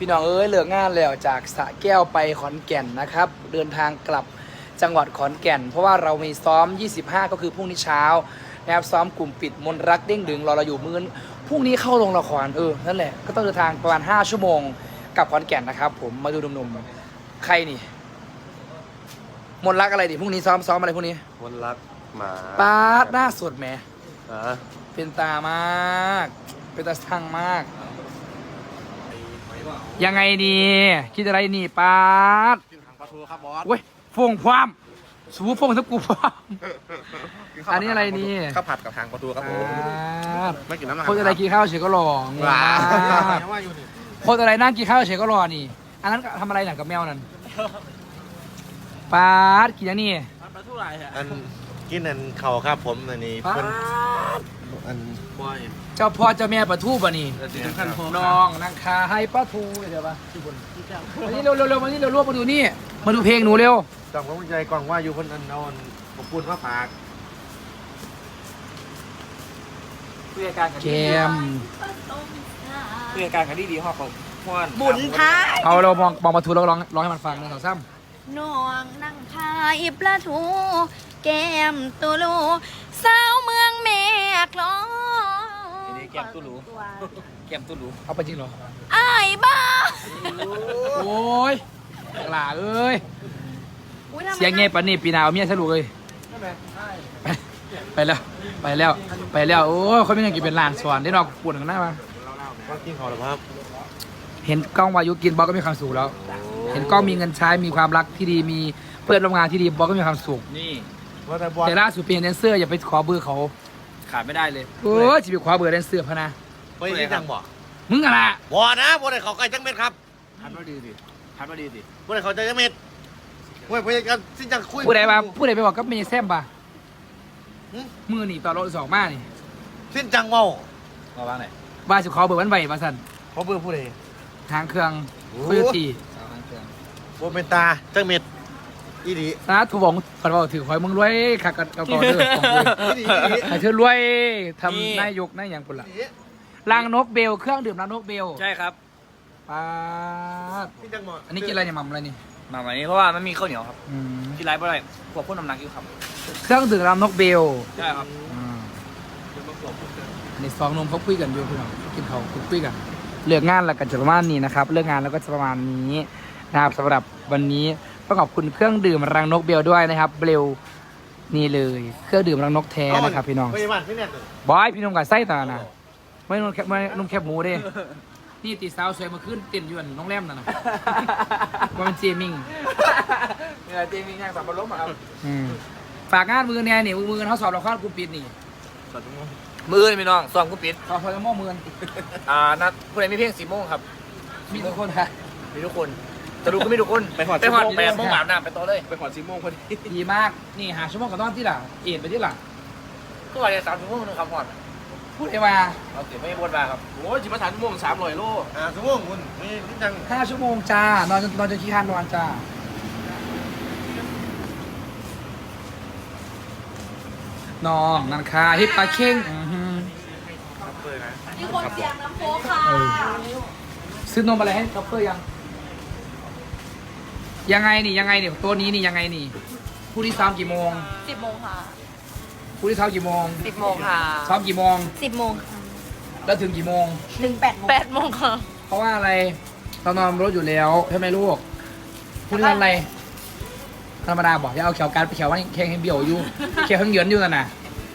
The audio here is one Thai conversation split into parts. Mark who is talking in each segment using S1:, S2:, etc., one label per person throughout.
S1: พี่น้องเอ้ยเลิกงานแล้วจากสระแก้วไปขอนแก่นนะครับเดินทางกลับจังหวัดขอนแก่นเพราะว่าเรามีซ้อม25ก็คือพรุ่งนี้เช้านะครับซ้อมกลุ่มปิดมนรักเด้งดึงรอเราอยู่มื้อพรุ่งนี้เข้าโรงละครนั่นแหละก็ต้องเดินทางประมาณ5ชั่วโมงกลับขอนแก่นนะครับผมมาดูหนุ่มๆใครนี่มนรักอะไรดิพรุ่งนี้ซ้อมอะไรพรุ่งนี้
S2: มนรักหมา
S1: ปาดหน้าสดแหม
S2: อ่า
S1: เป็นตามากเป็นตาช่างมากยังไงดีคิดอะไรนี่ปาด
S2: กินหางปลาทูครับบอส
S1: เว้ยฟงความสูฟงทับกูความอันนี้อะไรนี่
S2: ข้าวผัดกับหางปลาทูครับผม
S1: ปาด
S2: ไม่กินน้ำมัน
S1: คนอะไรกินข้าวเฉยก็รอ
S2: ว้า
S1: ว้าคนอะไรนั่งกินข้าวเฉยก็รอนี่อันนั้นทำอะไรหนังกับแมวนั่นปาดกินยังนี่
S2: อันกินอันเข่าครับผมอันนี้
S1: ปา
S2: เพิ่น
S1: ด
S2: อัน
S1: เจ้าพ่อเจ้าแม่ปลาทูป่ะนี่
S2: ขั้นพอ
S1: น้องนางคาให้ปลาทูเดี๋ยวปะมานี่เร็วมานี่เร็วมาดูนี่มาดูเพลงหนูเร็ว
S2: จังผมใจกล่องว่าอยู่คนอันนอนผมพูดว่าฝาก
S3: เพื่อการ
S1: เกม
S3: เพื่อการกันดีๆห้องของพ่อน
S4: บุญท้าย
S1: เอาเรามองปลาทูแล้วร้องให้มันฟังหนึ่งสองสาม
S4: น้องนั่งทายปลาทูแก้มตุลูสาวเมืองแม่กลอง
S3: แก้มตู้หรูแก้มตู้หรู
S1: เอาไปจริงเหรอ
S4: อ้ายบ้า
S1: โอ้ยหล่าเอ้ย
S4: อุ๊ทำไม
S1: เสียงเงี้ยปานนี่ปีหนาวเมียสรุปเลยไปแล้วโอ้ยเขาไม่ยังกินเป็นลานสวนได้นอกปวดกันหน้ามา
S2: ว่ากินเขาหรือครับ
S1: เห็นกล้องวายุกินบอกก็มีความสุขแล้ว เห็นกล้องมีเงินใช้มีความรักที่ดีมีเพื่อนร่วมงานที่ดีบอกก็มีความสุข
S3: นี่
S2: ว่าแต่บอส
S1: แต่ล่าสุดเป็นแดนเซอร์อย่าไปขอเบอร์เขา
S3: ขาดไม่ได้เลย
S1: โอ้ยจะไปขอเบอร์แดนเซอร์พะนะ
S2: ไปที่จังบ่
S1: มึงอะไร
S2: บอนะบอได้เขาใกล้จังเม็ดครับ
S3: ทัดมาดีสิทัดมาดีสิ
S2: บอได้เขาใจจังเม็ดเว้ยพยายามที่จังคุย
S1: ผู้ใดไปบอกก็มีแซมป่ะมือหนีต่อรถสองมานี่
S2: สิ้นจังเมา
S3: มาบ้างไหน
S1: ว่าสิขอเบอร์วันไหวมาสั่น
S2: เขาเบื่อผู้ใด
S1: ทางเครื่อง
S2: โอ้
S1: คุยตี
S3: เอาทางเครื่อง
S2: บอเป็นตาจังเม็ดอีดี
S1: นะถูกบอกฝันว่าถือคอยมึงรวยขักกับเก่าเด้อของกู
S2: อีดีอีดี
S1: ให้เธอรวยทำนายกนายอย่างปุ่นละลังนกเบลเครื่องดื่มลังนกเบล
S3: ใช่ครับ
S1: ป้าด
S2: สิ้นจังเมา
S1: อันนี้กินอะไรเนี่ยหม่ำอะไรนี่
S3: มาวันนี้เพราะว่ามันมีข้าวเหนียวครับ
S1: อืม
S3: ที่ไร้บ่ได้พวกพ่นน้ำหนักอยู่ครับ
S1: เครื่องดื่มลังนกเบล
S3: ใช่ครับ
S1: อันนี้สองหนมเขาคุยกันอยู่พี่น้องกินเขาคุยกันเลิกงานแล้วกันจะประมาณนี้นะครับเลิกงานแล้วก็จะประมาณนี้นะครับสำหรับวันนี้ต้องขอบคุณเครื่องดื่มรังนกเบลด้วยนะครับเบลนี่เลยเครื่องดื่มรังนกแท้นะครับพี่น้อง
S2: พยาบาลพี่เนี่ย
S1: บอยพี่น้องกับไส้ตานะไม่นุ่มแคบหมูเด้นี่ตีสาวสวยมาขึ้นเต้นอยู่อันน้องแรมนั่นนะว่ามันเจมิง
S3: นี่แหละเจมีงานสับปะรดมาครับ
S1: ฝากงานมือแน่นี่มือเขาสอบเราข้าวกูปิดนี่
S3: มือนี่พี่น้องซ้อมกูปิด
S1: เขาพอจะมอมือ
S3: นัดผู้ใดมีเพลง10 โมงครับ
S1: มีทุกคนค่ะ
S3: มีทุกคนจะดูก็ไม่ทุกคนไปหอด8 โมงอาบน้ำไปต่อเลยไปหอด10 โมงพอดี
S1: ดีมากนี่หาชั่วโมงกับตอนที่หล่ะเอ็นไปที่หล่ะ
S3: ก็ว่าจะ3 ชั่วโมงนึงครับหอด
S1: พูดไอ้ว่า
S3: เอาเสียไม่บนมาครับโอ้ยจิมา3 ชั่วโมง300 โล
S2: สมมติคุณมีสิ้นจัง
S1: 5 ชั่วโมงจ้านอนจนขี้คานนอนจ้าน้องนันคาฮิปปาเข่ง
S4: มีคนเสียงน้ำโค้กค่ะ
S1: ซื้อนมอะไรให้คัพเปอร์ยังไงนี่ตัวนี้นี่ยังไงนี่ผู้ที่ซ้อมกี่โมง
S4: 10 โมงค่ะ
S1: ผู้ที่ซ้อมกี่โมง
S4: 10 โมงค่ะ
S1: ซ้อมกี่โมง
S4: 10 โมงค่ะ
S1: แล้วถึงกี่โมง
S4: ถึง8 โมงค่ะ
S1: เพราะว่าอะไรเรานอนรถอยู่แล้วใช่ไหมลูกผู้ที่ทำอะไรธรรมดาบอกอย่าเอาเขียวการไปเขียวว่าแข่งให้เบี่ยวอยู่เขียวข้างเหยินอยู่นั่นน่ะ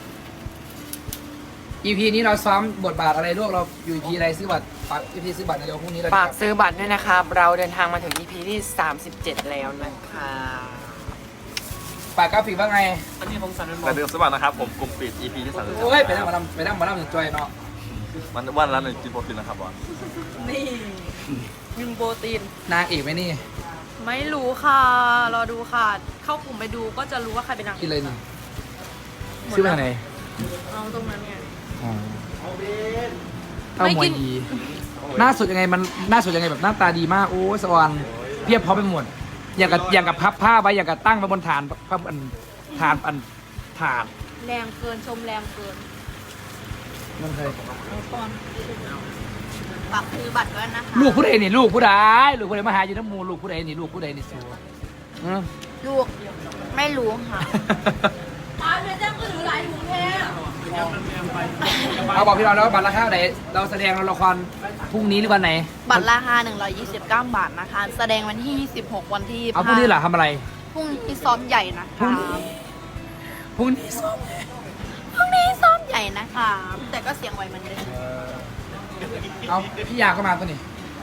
S1: EP นี้เราซ้อมบทบาทอะไรลูกเราอยู่ EP อะไรซื้อบัตรฝาก EP ซื้อบัตรเดี๋ยวพรุ่งนี้เรา
S5: ฝากซื้อบัตรด้วยนะครับ เราเดินทางมาถึง EP ที่ 37 แล้วนะคะ
S1: ฝากกราฟิกว่าไง
S3: อันนี้ผมสั่นเป็นบอ
S6: แต่
S3: ล
S6: เดิมสมัครนะครับผมกลุ่มปิด EP ที่
S1: โอ้ยไปนั่งมานั่งถึงจอยเนาะ
S6: 33มันวันละ1 กินโปรตีนนะครับบอล
S4: นี่ยิงโปรตีน
S1: นางเอกไหมนี่
S4: ไม่รู้ค่ะ รอดูค่ะ เข้ากลุ่มไปดูก็จะรู้ว่าใครเป็นนางเอ
S1: กิน
S4: ก
S1: เลยนี่ซื้อมาจากไหน
S4: เอาตรงนั้นเนี่ย
S1: อ๋อเต้า
S4: ไม่
S1: หมว
S4: กิ
S1: ย
S4: น
S1: ดีหน้าสดยังไงมันหน้าสดยังไงแบบหน้าตาดีมากโอ้ยสวรรค์เพียบพร้อมไปหมดอย่างกับพับผ้าไว้อย่างกับตั้งไว้บนฐานพับฐาน
S4: แรงเกินชมแรงเกิน
S1: มันเคย
S4: เอาก่อนฝากซื้อบัตรด้วยนะคะ
S1: ลูกผู้ใดนี่ลูกผู้ใดลูกผู้ใดมาหาอยู่น้ำมูลูกผู้ใดนี่ลูกผู้ใดนี่สูอืม
S4: ลูกไม่รู้ค่ะอ้าวเดี๋ยวจะก็ถือหลายถุงแท้
S1: เอาบอกพี่น้องแล้วบัตรราคาไหนเราแสดงละครพรุ่งนี้หรือวันไหน
S4: บัตรราคา129 บาทนะคะ แสดงวันที่26วันที่
S1: เอาพรุ่งนี้เหรอทำอะไร
S4: พรุ่งนี้ซ้อมใหญ่นะคะ
S1: พรุ่งนี้ซ้อม
S4: พรุ่งนี้ซ้อมใหญ่นะคะ แต่ก็เสียงไวเหมือนเดิม
S1: เอาพี่ยาก็มาตัวนี้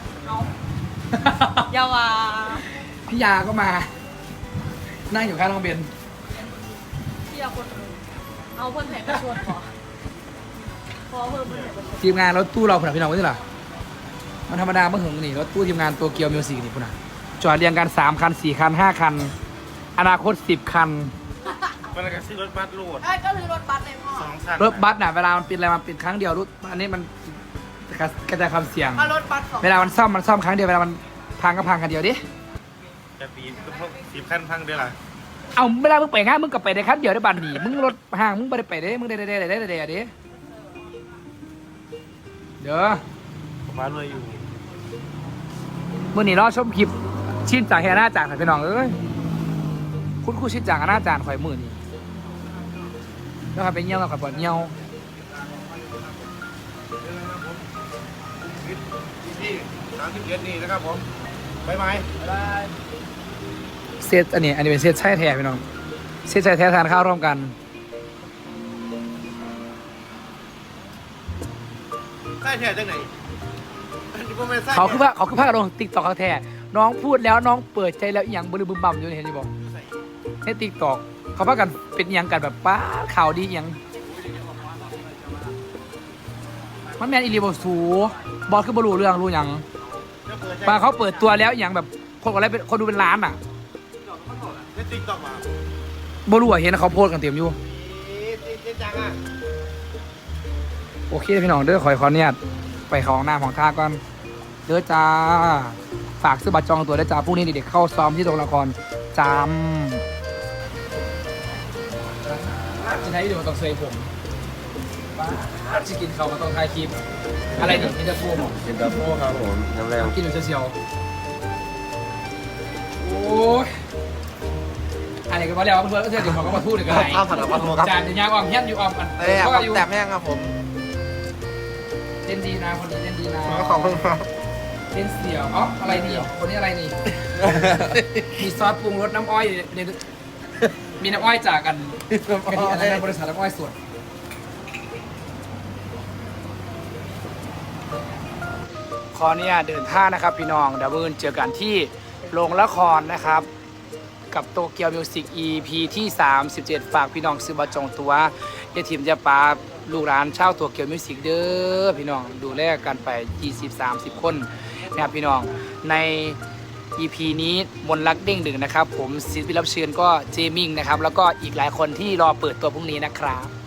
S4: อยาวา
S1: พี่ยาก็มา นั่งอยู่ข้างน้องเบน
S4: ที่เอาคนเอาเพื่อนแผลมาชวนขอเพิ่มเพื่อนแผลมาชวน
S1: ทีมงานรถตู้เราผุนพี่น้องไม่ใช่เหรอมันธรรมดาเมื่อหึงนี่รถตู้ทีมงานตัวเกียวมิวสิกนี่พุ่นอ่ะจอดเรียงกัน3 คัน 4 คัน 5 คัน อนาคต10 คัน
S2: มันก็ซื้อรถบัสโหลด
S4: ก็คือรถบัสเลยพ่อ
S2: 2 คัน
S1: รถบัสน่ะเวลามันเป็นอะไรมันเป็นครั้งเดียวรถอันนี้มันกระจายความเสี่ยง
S4: เอารถบัสของ
S1: เวลามันซ่อมครั้งเดียวเวลามันพังก็พังกันเดียวดิ
S2: จะปี10 คันพังเด้อล่ะ
S1: เอาเวลามึงไปงานมึงก็ไปได้คันเดียวได้บัตรหนีมึงรถห่างมึงไม่ได้ไปได้มึงได้ดิเดี๋ยว
S2: ผมว่ารวยอยู่
S1: มื่อนี้รอชมคลิปชินจากแฮน่าจานข่อยพี่น้องเอ้ยคุณครูชินจากหน้าจานข่อยมือนี่แล้วข่อยไปเงี้ยวกับข่อยปวดเงี้ยว
S2: ที่37นี่นะครับผมบ๊ายบาย
S1: เซตอันนี้เป็นเซตใช่แท้พี่น้องเซตใช่แท้ทานข้าวร่วมกัน
S2: ใต้แท้จังไหนอันนี้บ่แม่นใต้
S1: เขาคือภาคลงติ๊กต็อกเขาแท้น้องพูดแล้วน้องเปิดใจแล้วอหย่างบึ้มบั่มอยู่เห็นอยู่บอกในติ๊กต็อกเขาพากันเป็นอหย่างกันแบบป้าข่าวดีอหย่างมันแมนอีลีบสูบอลคือบอลรู้เรื่องรู้หยังปาเขาเปิดตัวแล้วอหย่างแบบคนอะไรเป็นคนดูเป็นล้านอ่ะ
S2: ใน TikTok มา
S1: บอลรู้อะเห็นเขาโพสต์กันเต็มอยู่
S2: เจ๊จังอ่ะ
S1: โอเคพี่น้องเด้อขออนุญาตไปเข้าห้องน้ำของท่าก่อนเด้อจ้าฝากซื้อบัตรจองตัวได้จ้าพรุ่งนี้เด็กๆเข้าซ้อมที่โรงละครจำจะใช้เดี๋ยวต้องเซยผมจะกินเขามาต้องถ่ายคลิปอะไรนี่มินจะพูด
S6: เย็นตาโฟครับผมน้ำแรง
S1: กินอยู่เชียวโอ้ยอะไรกันมาแล้วเพื่อนๆก็เชื่อเดี๋ยวเขาก็มาพูดอีกอะไร
S6: ข้าวผัดกะเพราครับ
S1: จานจะยางอ้อมเฮี้ยนอยู่อ้อมกันก็อยู่
S6: แตกแห้งครับผม
S1: เล่นดีนะคนนี้เล่นดีนะ
S6: ขอบคุณครับ
S1: เล่นเสี่ยวอ๋ออะไรนี่คนนี้อะไรนี่ มีซอสปรุงรสน้ำอ้อยในมีน้ำอ้อยจากกันกะทิอะไรนะบริษัทน้ำอ้อยสดขอเนี่ยเดินท่างนะครับพี่น้องเดี๋ยวเจอกันที่โรงละครนะครับ กับโตเกียวมิวสิก EP ที่ 37 ฝากพี่น้องซื้อบัตรจองตัวอย่าถิ่มอย่าปาลูกหลานเช่าโตเกียวมิวสิกเด้อพี่น้องดูแลกันไป 20-30 คนนะครับพี่น้องใน EP นี้มนต์รักเด้งดึงนะครับ ผมศิลปินรับเชิญก็เจมิงนะครับ แล้วก็อีกหลายคนที่รอเปิดตัวพรุ่งนี้นะครับ